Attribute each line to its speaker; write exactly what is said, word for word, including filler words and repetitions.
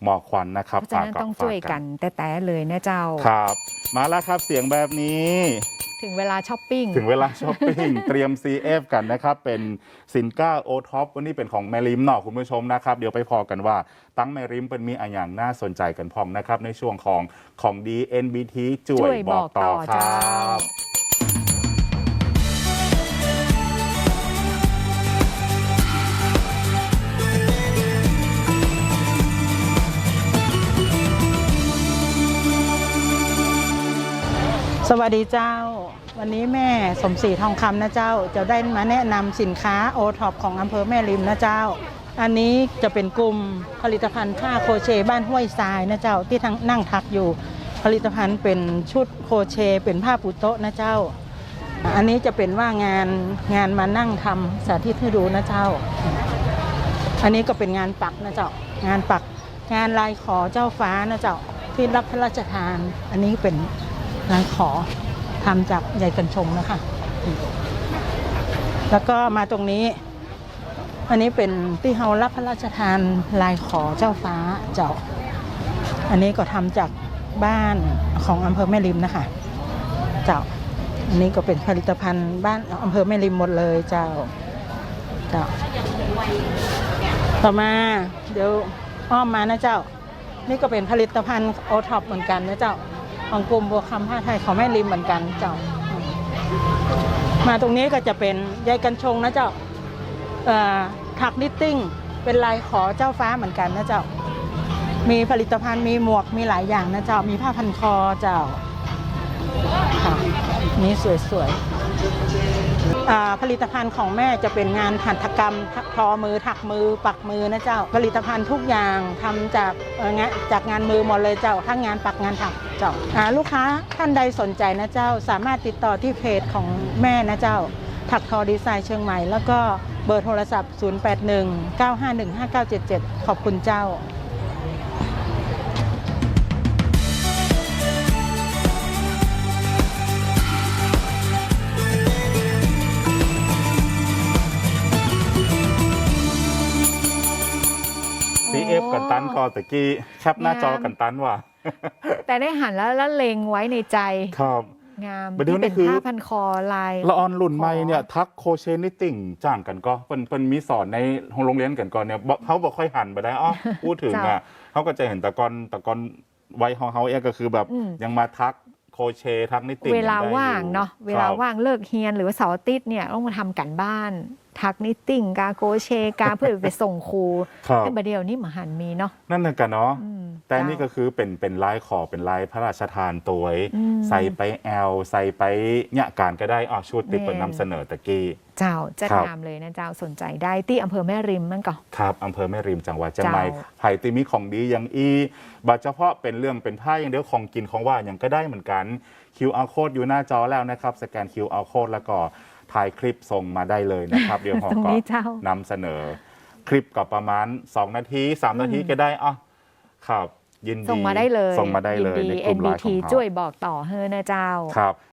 Speaker 1: หมอกควันนะครับ
Speaker 2: เพราะฉะนั้นต้องช่วยกันแต่แต่เลยนะเจ้า
Speaker 1: ครับมาแล้วครับเสียงแบบนี้
Speaker 2: ถึงเวลาช้อปปิ้ง
Speaker 1: ถึงเวลาช้อปปิ้ง เตรียม ซี เอฟ กันนะครับเป็นสินค้าโอท็อปวันนี้เป็นของแมริมเนาะคุณผู้ชมนะครับเดี๋ยวไปพอกันว่าตั้งแมริมเป็นมีอะไรอย่างน่าสนใจกันพร้อมนะครับในช่วงของของดี เอ็น บี ที จ่วยบอกต่อครับ
Speaker 3: สวัสดีเจ้าวันนี้แม่สมศรีทองคำนะเจ้าจะได้มาแนะนำสินค้าโอท็อปของอำเภอแม่ริมนะเจ้าอันนี้จะเป็นกลุ่มผลิตภัณฑ์ผ้าโครเชต์บ้านห้วยทรายนะเจ้าที่ทั้งนั่งทักอยู่ผลิตภัณฑ์เป็นชุดโครเชต์เป็นผ้าปูโต๊ะนะเจ้าอันนี้จะเป็นว่างานงานมานั่งทำสาธิตให้ดูนะเจ้าอันนี้ก็เป็นงานปักนะเจ้างานปักงานลายขอเจ้าฟ้านะเจ้าที่รับพระราชทานอันนี้เป็นลายขอทำจากใยกัญชงนะคะแล้วก็มาตรงนี้อันนี้เป็นที่เขารับพระราชทานลายขอเจ้าฟ้าเจ้าอันนี้ก็ทำจากบ้านของอำเภอแม่ริมนะคะเจ้าอันนี้ก็เป็นผลิตภัณฑ์บ้านอำเภอแม่ริมหมดเลยเจ้าเจ้าต่อมาเดี๋ยวอ้อมมานะเจ้านี่ก็เป็นผลิตภัณฑ์โอท็อปเหมือนกันนะเจ้าของกลุ่มบัวคำผ้าไทยของแม่ริมเหมือนกันเจ้ามาตรงนี้ก็จะเป็นใยกัญชงนะเจ้าถักนิตติ้งเป็นลายขอเจ้าฟ้าเหมือนกันนะเจ้ามีผลิตภัณฑ์มีหมวกมีหลายอย่างนะเจ้ามีผ้าพันคอเจ้าค่ะนี่สวยๆผลิตภัณฑ์ของแม่จะเป็นงานหัตถกรรมทอมือถักมือปักมือนะเจ้าผลิตภัณฑ์ทุกอย่างทำจากงานจากงานมือหมดเลยเจ้าทั้งงานปักงานถักเจ้าลูกค้าท่านใดสนใจนะเจ้าสามารถติดต่อที่เพจของแม่นะเจ้าถักทอดีไซน์เชียงใหม่แล้วก็เบอร์โทรศัพท์ ศูนย์ แปด หนึ่ง เก้า ห้า หนึ่ง ห้า เก้า เจ็ด เจ็ด ขอบคุณเจ้า
Speaker 1: ซี เอฟ กันตันก็ตะกี้แคปหน้าจอกันตันว่ะ
Speaker 2: แต่ได้หันแล้วแล้วเล็งไว้ในใจ
Speaker 1: ครับ
Speaker 2: งาม
Speaker 1: ที่
Speaker 2: เป็นผ้าพันคอลาย
Speaker 1: ละออนรุ่นใหม่เนี่ยทักโคเชนิตติ้งจ้างกันก็เป็นเป็นมีสอนในโรงเรียนกันก่อนเนี่ยเขาบอกค่อยหันไปได้อ้อพูดถึงอ่ะเขาก็จะเห็นตะกอนตะกอนไว้ของเขาเองก็คือแบบยังมาทักโคเชทักนิตติ้ง
Speaker 2: เวลาว่างเนาะเวลาว่างเลิกเฮียนหรือว่าเสาร์อาทิตย์เนี่ยต้องมาทำกันบ้านทักนิตติ้งกาโกเชกาเพื่อไปส่งครูแต่ประเดี๋ยวนี้มหันมีเนาะ
Speaker 1: นั่นน่ะกันเนาะแต่นี่ก็คือเป็นเป็นลายขอเป็นลายพระราชทานตัวใส่ไปแอลใส่ไปเนี่ยการก็ได้อ๋อชุดติดเป็นนำเสนอตะกี้
Speaker 2: เจ้าจะตามเลยนะเจ้าสนใจได้ที่อำเภอแม่ริมมันก็
Speaker 1: ครับอำเภอแม่ริมจังหวัดเชียงใหม่ไผ่ติมีของดีอย่างอีบัดเฉพาะเป็นเรื่องเป็นผ้าอย่างเดียวของกินของว่าอย่างก็ได้เหมือนกัน คิว อาร์ Code อยู่หน้าจอแล้วนะครับสแกน คิว อาร์ Code แล้วก็ถ่ายคลิปส่งมาได้เลยนะครับเดี๋ยวผมก็นำเสนอคลิปกับประมาณสองนาทีสามนาทีก็ได้อ่ะครับยินดี
Speaker 2: ส่งมาได้เลย
Speaker 1: ส่งมาได้เลยในกลุ่มไลน์ของเรา
Speaker 2: ช่วยบอกต่อเฮ้อนะเจ้า
Speaker 1: ครับ